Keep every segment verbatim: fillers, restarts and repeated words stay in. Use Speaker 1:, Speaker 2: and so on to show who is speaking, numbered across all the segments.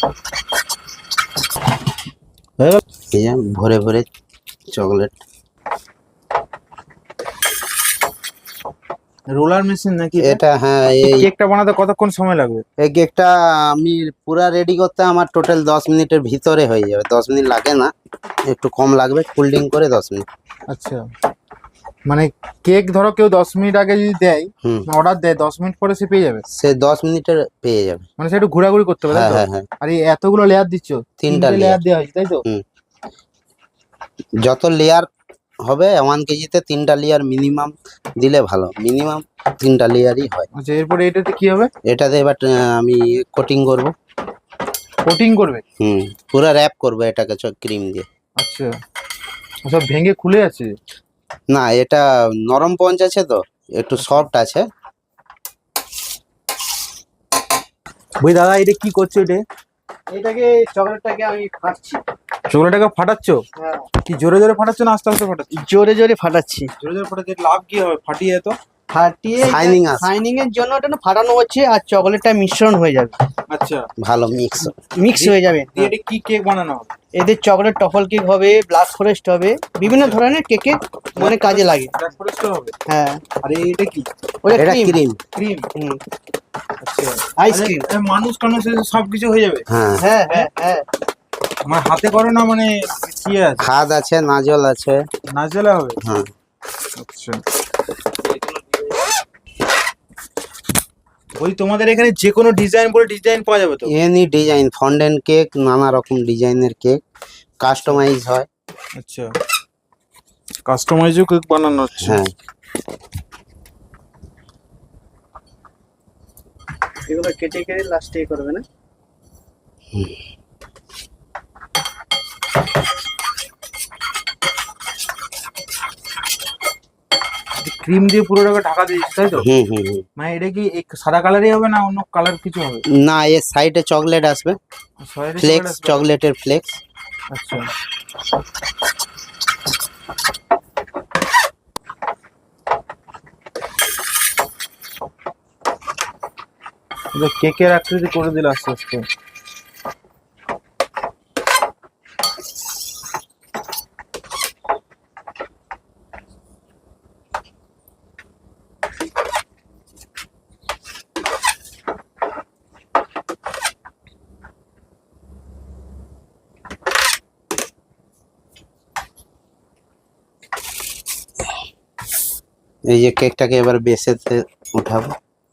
Speaker 1: ভরে ভরে chocolate
Speaker 2: roller machine নাকি
Speaker 1: এটা? হ্যাঁ, এই
Speaker 2: কেকটা বানাতে কতক্ষণ সময় লাগবে?
Speaker 1: এই কেকটা আমি পুরা রেডি করতে আমার টোটাল দশ মিনিটের ভিতরে হয়ে যাবে। দশ মিনিট লাগে না, একটু কম লাগবে, কোল্ডিং করে দশ মিনিট।
Speaker 2: আচ্ছা, মানে কেক ধরো কেউ দশ মিনিট আগে যদি দেয়,
Speaker 1: হুম,
Speaker 2: অর্ডার দেয়, দশ মিনিট পরে সে পেয়ে যাবে?
Speaker 1: সে দশ মিনিটের পেয়ে যাবে।
Speaker 2: মানে সে একটু ঘোরাঘুরি করতে হবে, তাই
Speaker 1: হ্যাঁ
Speaker 2: তো?
Speaker 1: হ্যাঁ হ্যাঁ।
Speaker 2: আর এই এতগুলো লেয়ার দিচ্ছ?
Speaker 1: তিনটা
Speaker 2: লেয়ার
Speaker 1: লেয়ার
Speaker 2: দেওয়া হয়েছে, তাই তো?
Speaker 1: হুম, যত লেয়ার হবে ওয়ান কেজিতে তিনটা লেয়ার মিনিমাম দিলে ভালো। মিনিমাম তিনটা লেয়ারই হয়।
Speaker 2: আচ্ছা, এরপরে এটাতে কি হবে?
Speaker 1: এটাতে এবার আহ, আমি কোটিং করব।
Speaker 2: কোটিং করবে?
Speaker 1: হুম, পুরো র্যাপ করবো এটাকে ক্রিম দিয়ে।
Speaker 2: আচ্ছা, সব ভেঙে খুলে আছে?
Speaker 1: না, এটা নরম পঞ্চ আছে তো, একটু সফট আছে।
Speaker 2: ওই দাদা, এটা কি করছো? এটা
Speaker 3: এটাকে চকলেটটাকে আমি ফাটছি।
Speaker 2: চকলেটটাকে ফাটাচ্ছ?
Speaker 3: হ্যাঁ,
Speaker 2: কি জোরে জোরে ফাটাচ্ছ না আস্তে আস্তে ফাটাচ্ছ?
Speaker 3: জোরে জোরে ফাটাচ্ছি।
Speaker 2: জোরে জোরে ফাটাচ্ছ, লাভ কি হবে ফাটিয়ে? তো
Speaker 3: ফাটিয়ে
Speaker 1: Shining আসবে।
Speaker 3: শাইনিং এর জন্য এটা না ফাটানো হচ্ছে, আর চকলেটটা মিশ্রণ হয়ে যাবে,
Speaker 2: আচ্ছা,
Speaker 1: ভালো মিক্স।
Speaker 3: মিক্স হয়ে যাবে।
Speaker 2: দিয়ে এটা কি কেক বানানো হবে?
Speaker 3: এদের চকলেট টফল কেক হবে, ব্ল্যাক ফরেস্ট হবে, বিভিন্ন ধরনের কেকে মানে কাজে লাগে।
Speaker 2: ব্ল্যাক ফরেস্ট হবে?
Speaker 3: হ্যাঁ,
Speaker 2: আর এটা কি?
Speaker 3: ওটা
Speaker 1: এটা
Speaker 3: ক্রিম।
Speaker 1: ক্রিম।
Speaker 2: ক্রিম?
Speaker 3: হুম,
Speaker 2: আচ্ছা,
Speaker 3: আইসক্রিম।
Speaker 2: আরে, এ মানুষ টানুষ এসে সবকিছু হয়ে যাবে?
Speaker 1: হ্যাঁ,
Speaker 3: হ্যাঁ হ্যাঁ হ্যাঁ।
Speaker 2: মানে হাতে করো না, মানে কি আছে?
Speaker 1: হাত আছে, নাজল আছে।
Speaker 2: নাজেলা হবে?
Speaker 1: হ্যাঁ,
Speaker 2: আচ্ছা, ওই তোমাদের এখানে যে কোনো ডিজাইন বলে ডিজাইন পাওয়া যাবে তো?
Speaker 1: এনি ডিজাইন, ফন্ডেন্ট কেক, নানা রকম ডিজাইনের কেক কাস্টমাইজ হয়।
Speaker 2: আচ্ছা, কাস্টমাইজও কেক বানানো হচ্ছে?
Speaker 1: হ্যাঁ,
Speaker 3: এগুলো কেটে কেটে লাস্টে করবে না?
Speaker 2: ক্রিম দিয়ে পুরোটাকে ঢাকা দিয়েছি, তাই তো?
Speaker 1: হুম হুম হুম।
Speaker 2: মানে এটা কি এই সাদা কালারই হবে না অন্য কালার কিছু হবে?
Speaker 1: না, এর সাইডে চকলেট আসবে,
Speaker 2: সয়ের
Speaker 1: ফ্লেক্স,
Speaker 2: chocolate আসবে?
Speaker 1: চকলেটের ফ্লেক্স।
Speaker 2: আচ্ছা, এটা কেকের আকৃতি করে দিল আস্তে আস্তে।
Speaker 1: এই যে কেকটাকে এবার বেসেতে উঠাবো।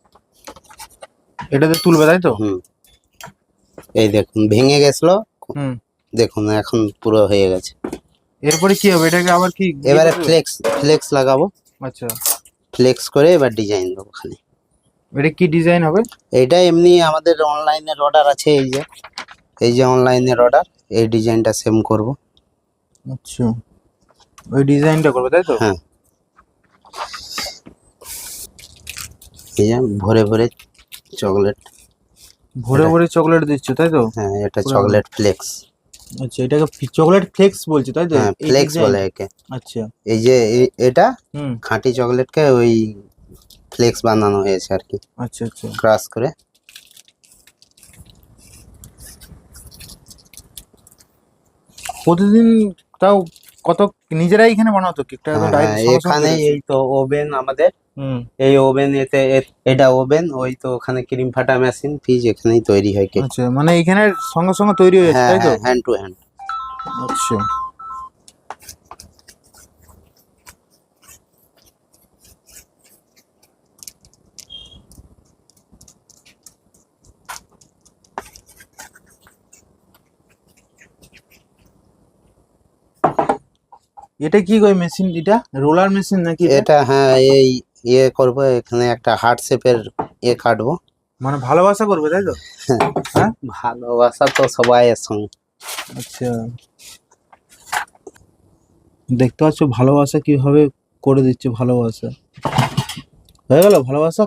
Speaker 2: এটাতে তুলবে, তাই তো?
Speaker 1: হুম, এই দেখুন ভেঙে গেছিল,
Speaker 2: হুম।
Speaker 1: দেখুন এখন পুরো হয়ে গেছে।
Speaker 2: এরপরে কি হবে? এটাকে আবার কি ইয়ে
Speaker 1: এবারে
Speaker 2: করবে?
Speaker 1: ফ্লেক্স, ফ্লেক্স লাগাবো।
Speaker 2: আচ্ছা,
Speaker 1: ফ্লেক্স করে এবার ডিজাইন দেবো খালি।
Speaker 2: এটা কি ডিজাইন হবে?
Speaker 1: এইটা এমনি আমাদের অনলাইনের অর্ডার আছে, এই যে এই যে অনলাইনের অর্ডার, এই ডিজাইনটা সেম করব।
Speaker 2: আচ্ছা, ওই ডিজাইনটা করবে, তাই তো?
Speaker 1: হ্যাঁ, এই যে ভরে ভরে চকলেট।
Speaker 2: ভরে ভরে চকলেট দিচ্ছ, তাই তো?
Speaker 1: হ্যাঁ, এটা
Speaker 2: পুরো
Speaker 1: চকলেট ফ্লেক্স।
Speaker 2: আচ্ছা, এটাকে চকলেট ফ্লেক্স বলছি, তাই তো?
Speaker 1: হ্যাঁ,
Speaker 2: এই
Speaker 1: ফ্লেক্স
Speaker 2: design?
Speaker 1: বলে একে।
Speaker 2: আচ্ছা,
Speaker 1: এই যে এ- এটা
Speaker 2: হুম,
Speaker 1: খাঁটি চকলেটকে ওই ফ্লেক্স বানানো হয়েছে আর কি,
Speaker 2: আচ্ছা আচ্ছা।
Speaker 1: ক্রাশ করে।
Speaker 2: প্রতিদিন তাও কত নিজেরাই এখানে বানাতো কেকটা? একদম
Speaker 1: হ্যাঁ
Speaker 2: ডাইরেক্ট
Speaker 1: হ্যাঁ,
Speaker 2: সঙ্গে সঙ্গে
Speaker 1: এখানে
Speaker 2: বেরোচ্ছে?
Speaker 1: এই তো ওভেন আমাদের,
Speaker 2: হুম,
Speaker 1: এই ওভেন এতে এ- এটা ওভেন, ওই তো ওখানে ক্রিম ফাটা মেশিন, ফ্রিজ, এখানেই তৈরি হয় কেক।
Speaker 2: আচ্ছা, মানে এখানে সঙ্গে সঙ্গে তৈরি হয়ে যাচ্ছে,
Speaker 1: হ্যাঁ
Speaker 2: তাই তো?
Speaker 1: হ্যাঁ, হ্যান্ড টু হ্যান্ড।
Speaker 2: আচ্ছা, এটা কি কই মেশিন? এটা রোলার মেশিন নাকি এটা?
Speaker 1: এটা হ্যাঁ, এই ইয়ে করবো, এখানে একটা হার্ট শেপের ইয়ে কাটবো।
Speaker 2: মানে ভালোবাসা করবে, তাই তো? হ্যাঁ,
Speaker 1: ভালোবাসা তো সবাইয়ের সঙ্গে।
Speaker 2: আচ্ছা, দেখতে পাচ্ছ ভালোবাসা কিভাবে করে দিচ্ছে। ভালোবাসা হয়ে গেল, ভালোবাসা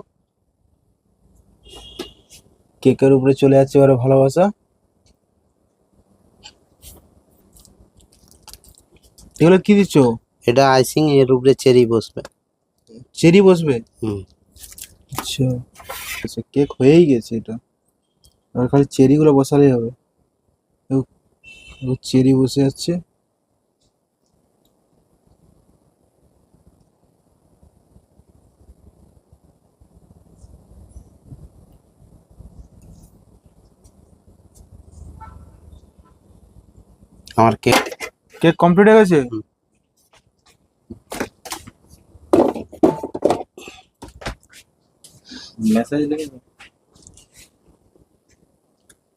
Speaker 2: কেকের উপরে চলে যাচ্ছে এবারে ভালোবাসা। এগুলো কি দিচ্ছ?
Speaker 1: এটা আইসিং, এর উপরে চেরি বসবে।
Speaker 2: চেরি বসবে?
Speaker 1: হুম,
Speaker 2: আচ্ছা আচ্ছা, কেক হয়েই গেছে এটা, আর খালি চেরি গুলো বসালেই হবে। চেরি বসে যাচ্ছে।
Speaker 1: আমার কেক
Speaker 2: কেক কমপ্লিট হয়ে গেছে।
Speaker 1: হুম।
Speaker 2: মেসেজ দেখে